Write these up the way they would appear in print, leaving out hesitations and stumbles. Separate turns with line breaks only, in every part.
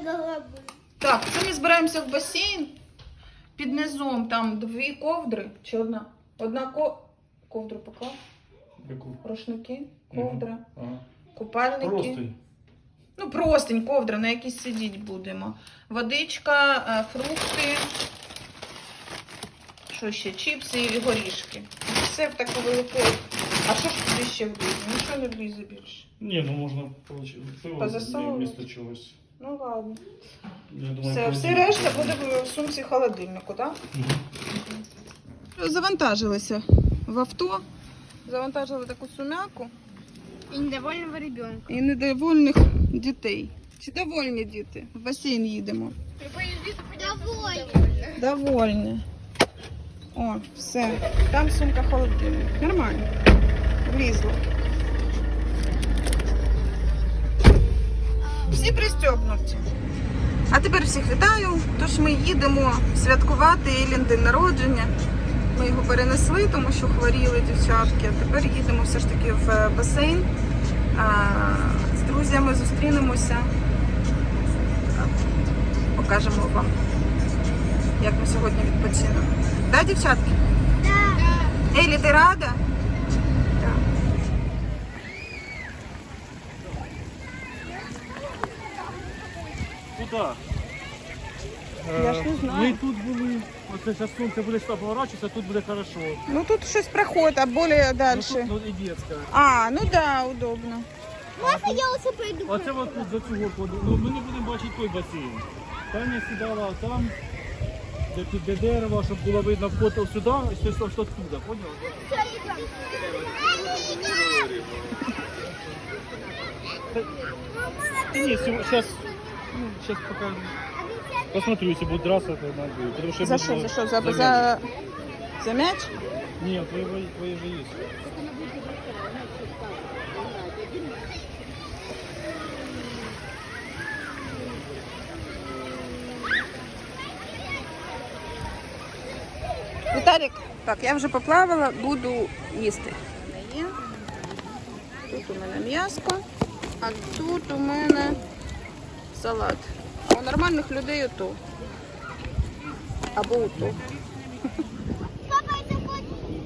головы.
Так, це ми збираємося в басейн. Під низом там 2 ковдри чи одна? Ковдру поклав.
Яку?
Рушники, ковдра,
Ага.
купальники.
Простий.
Ну, простень, ковдра, на якій сидіти будемо. Водичка, фрукти. Що ще? Чіпси і горішки. Все в таку велику. А що ж туди ще влізе? Нічого не влізе більше.
Ні, ну можна пиво
Позасовувати?
вмісто чогось.
Ну ладно.
Я думаю,
Все решта буде в сумці холодильнику, так? Завантажилися в авто. Завантажили таку сумяку.
И недовольного ребенка.
І недовольних дітей. Чи довольні діти? В басейн їдемо.
Довольно.
Довольні. О, все. Там сумка холодильник. Нормально. Влізло. Всі пристьобнуті. А тепер всіх вітаю. Тож ми їдемо святкувати Елін день народження. Ми його перенесли, тому що хворіли дівчатки. А тепер їдемо все ж таки в басейн. З друзями зустрінемося. Покажемо вам, як ми сьогодні відпочинемо. Да, дівчатки?
Да.
Елі, ти рада? Так.
Куди?
Я ж не знаю.
Ми тут були. Оце зараз сонце буде поворачуватися, тут буде хорошо.
Ну тут щось проходить, а більше далі.
Ну, тут, ну і дітська.
А, ну да, удобно.
Можно я уже пойду?
Оце от тут за цю горку. Ну, ми не будемо бачити той басейн. Таня сідала там, де дерево, щоб було видно вход сюди, і що туди, поняв? Ні, зараз покажу. Посмотрю, если будет драться, то надо. Потому что
За що? За що? За м'яч?
Нет, твои же есть.
Віталік, так, я вже поплавала, буду їсти. Тут у мене м'яско, а тут у мене салат. А у нормальних людей ото. Або ото.
Папа, это вот.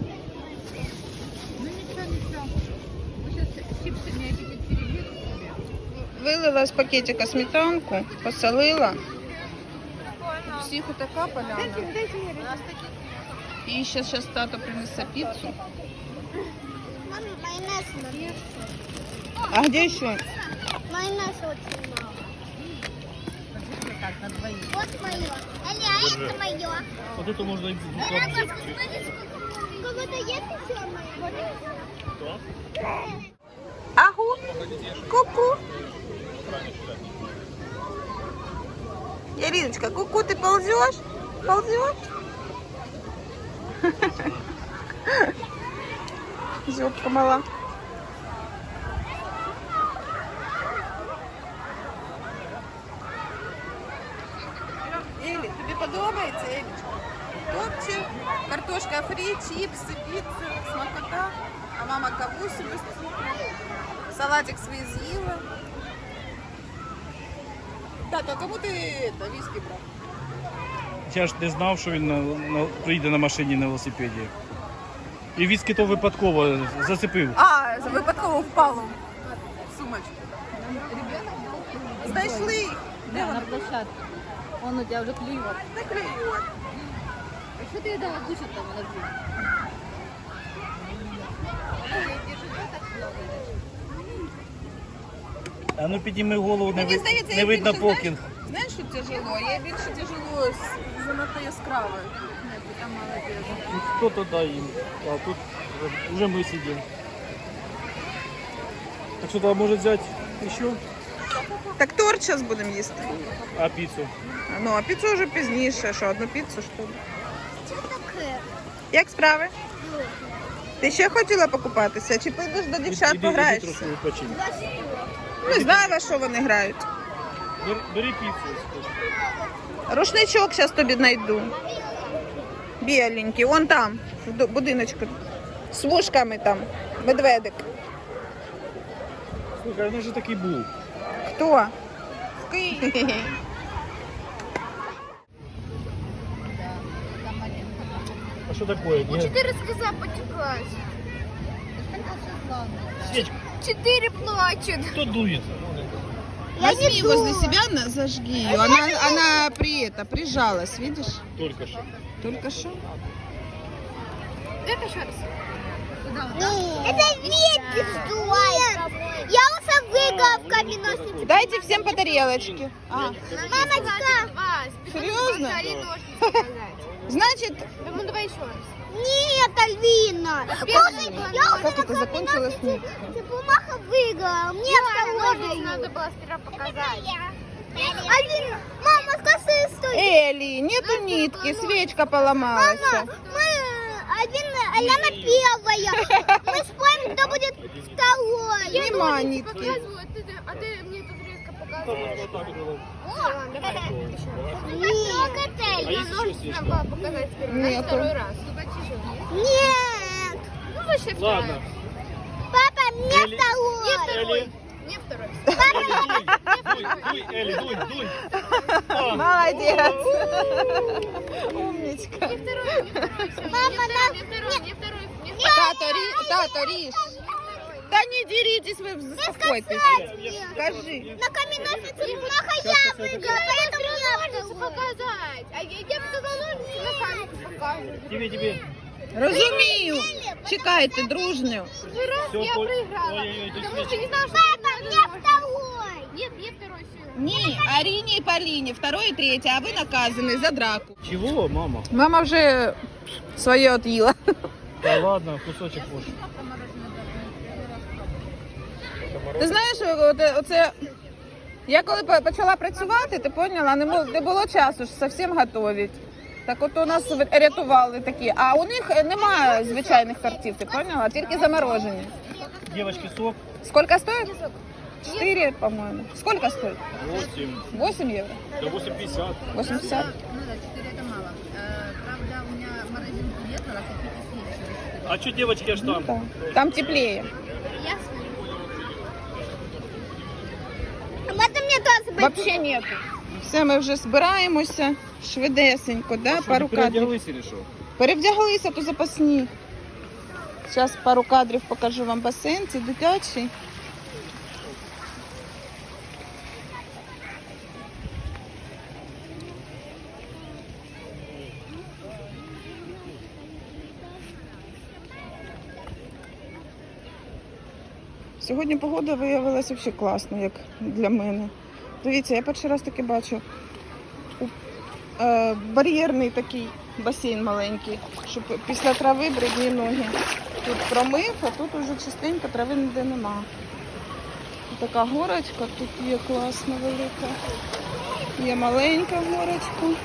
Вилила з пакетика сметанку, посолила. Всіх отака поляна. І ще зараз тато принесе піцу.
Мама, майонез надо.
А де ще?
Майонез очень мало. Вот мое. Аля, а это мое.
Вот это можно и
Папа, посмотри, сколько. Кого-то есть еще мое?
Агу, ку-ку. Яриночка, ку-ку, ты ползешь? Ползешь? Зёбка мала. Елі, тобі подобається, Елічка? Топчик, картошка фрі, чипси, піца, смакота. А мама кавусю без цукру. Салатик свій з'їла. Тато, а кому ти віскі брав?
Я ж не знав, що він приїде на машині на велосипеді. І віскі то випадково зацепив.
А, випадково впало в сумочку. Знайшли їх. Де
Да,
вони?
на площадке. Он у тебя уже клюет.
Не клюють.
А что ты ей дала кушать там на две?
А ну підніми голову,
Мені здається,
не
я
видно
більше,
покінг.
Знаєш, що тяжело? Я більше тяжело занадто яскравою. Ні, ти там молодець.
Ну, хто-то дай їм, а тут вже ми сидимо. Так що там може взяти ще?
Так торт зараз будемо їсти.
А піцу?
Ну, а піцу вже пізніше. Що, одну піцу, що ли?
Что такое?
Як справи? Ти ще хотіла покупатися? Чи підеш до дівчат
Іди
пограєшся?
трошки відпочинь.
Не знаю, во що вони грають.
Бери піцу.
Рушничок зараз тобі знайду. Біленький, вон там, в будиночку. З вушками там, медведик.
Слухай, ну вже такий був.
Хто? В Києві.
что такое? Нет.
4 слеза потеклась.
Свечку.
4 плачут.
Кто дует?
Возьми возле себя, зажги ее. Она прижалась, видишь?
Только что.
Только что.
Это еще раз.
Куда?
Это ветер сдувает. Я уже выиграла в каменоснице.
Дайте всем по тарелочке.
Мамочка.
Серьезно? Значит,
Ну давай еще раз. Нет, Альвина.
как это закончилось? Нет.
Ты бумага выиграла. Мне второй надо было сперва показать. Альвина, мама, скажи, что...
Элли, нету нитки, свечка поломалась.
Аляна первая. Мы спорим, кто будет второй.
Нема нитки.
А ты мне тут резко показываешь.
Вот так было.
Нет.
есть еще свечка?
Надо было показать сперва.
Нету.
Второй раз. Нет. Ну, вообще вторая.
Ладно.
Папа, мне
Элли.
второй.
Элли.
Не второй.
Элли, дуй, дуй.
Молодец. Умничка.
Не второй. Мама, не второй.
Тато, Риш. Да не деритесь, вы заспокойтесь. Скажи.
На каменоснице бумага я выиграла, поэтому мне нужно показать. А я сказала, на камень покажу.
Тебе.
Розумію. Чекайте, дружню.
Первый раз
Всё,
я проиграла.
ой-ой-ой, ты
Потому что не
свечку.
знала, что папа, мне второй. Нет, мне второй сюда.
Ні, Аріні і Поліні, второй і третій, а ви наказані за драку.
Чего, мама?
Мама вже своє от'їла.
Да ладно, кусочек больше.
Ти знаєш, оце я коли почала працювати, ти поняла, не було часу ж зовсім готувати. Так от у нас рятували такі, а у них немає звичайних тортів, ти поняла, тільки заморожені.
Девочки, сок.
Сколько стоит? 4, по-моему. Сколько стоит?
8.
8 евро?
Да 8,50.
80?
Ну да, 4 это мало. Правда, у меня морозилки нет, надо купить еще.
А что девочки аж там?
Да. Там теплее.
Ясно. Это мне тоже
Вообще нету. Все, ми вже збираємося швидесенько, да? Пару кадрів.
Переоделась или что?
Перевдяглися, то запасні. Зараз пару кадрів покажу вам басейн, це дитячий. Сьогодні погода виявилася взагалі класна, як для мене. Дивіться, я перший раз таки бачу бар'єрний такий басейн маленький, щоб після трави брудні ноги. Тут промив, а тут уже частенько трави ніде нема. Така горочка тут є класна, велика. Є маленька горочка.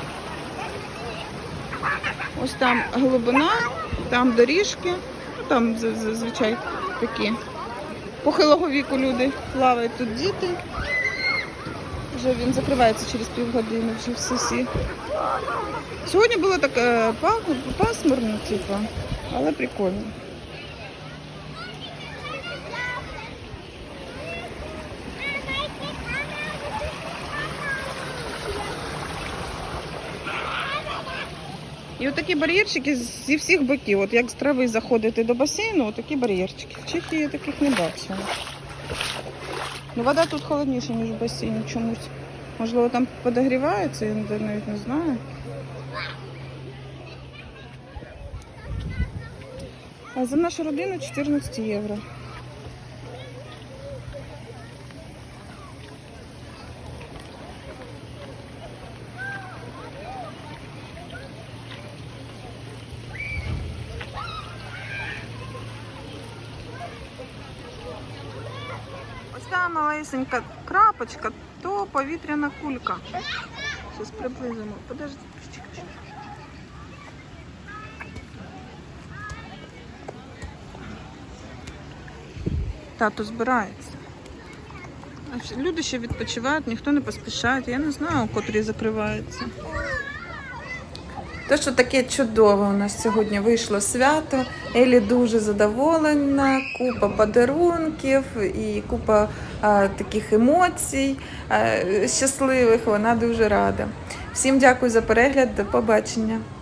Ось там глибина, там доріжки, ну, там зазвичай такі похилого віку люди плавають, тут діти. Вже він закривається через півгодини, вже всі. Сьогодні було так пасмурно, типу, але прикольно. І отакі бар'єрчики зі всіх боків. От як з трави заходити до басейну, отакі бар'єрчики. В Чехії я таких не бачила. Ну, вода тут холодніша, ніж в басейні чомусь. Можливо, там подогрівається, я навіть не знаю. А за нашу родину 14 євро. Ось та малесенька крапочка, то повітряна кулька. Зараз приблизимо. Подожди. Тато збирається. Люди ще відпочивають, ніхто не поспішає. Я не знаю, котрі закриваються. Те, що таке чудове у нас сьогодні вийшло свято. Елі дуже задоволена, купа подарунків і купа таких емоцій щасливих. Вона дуже рада. Всім дякую за перегляд, до побачення.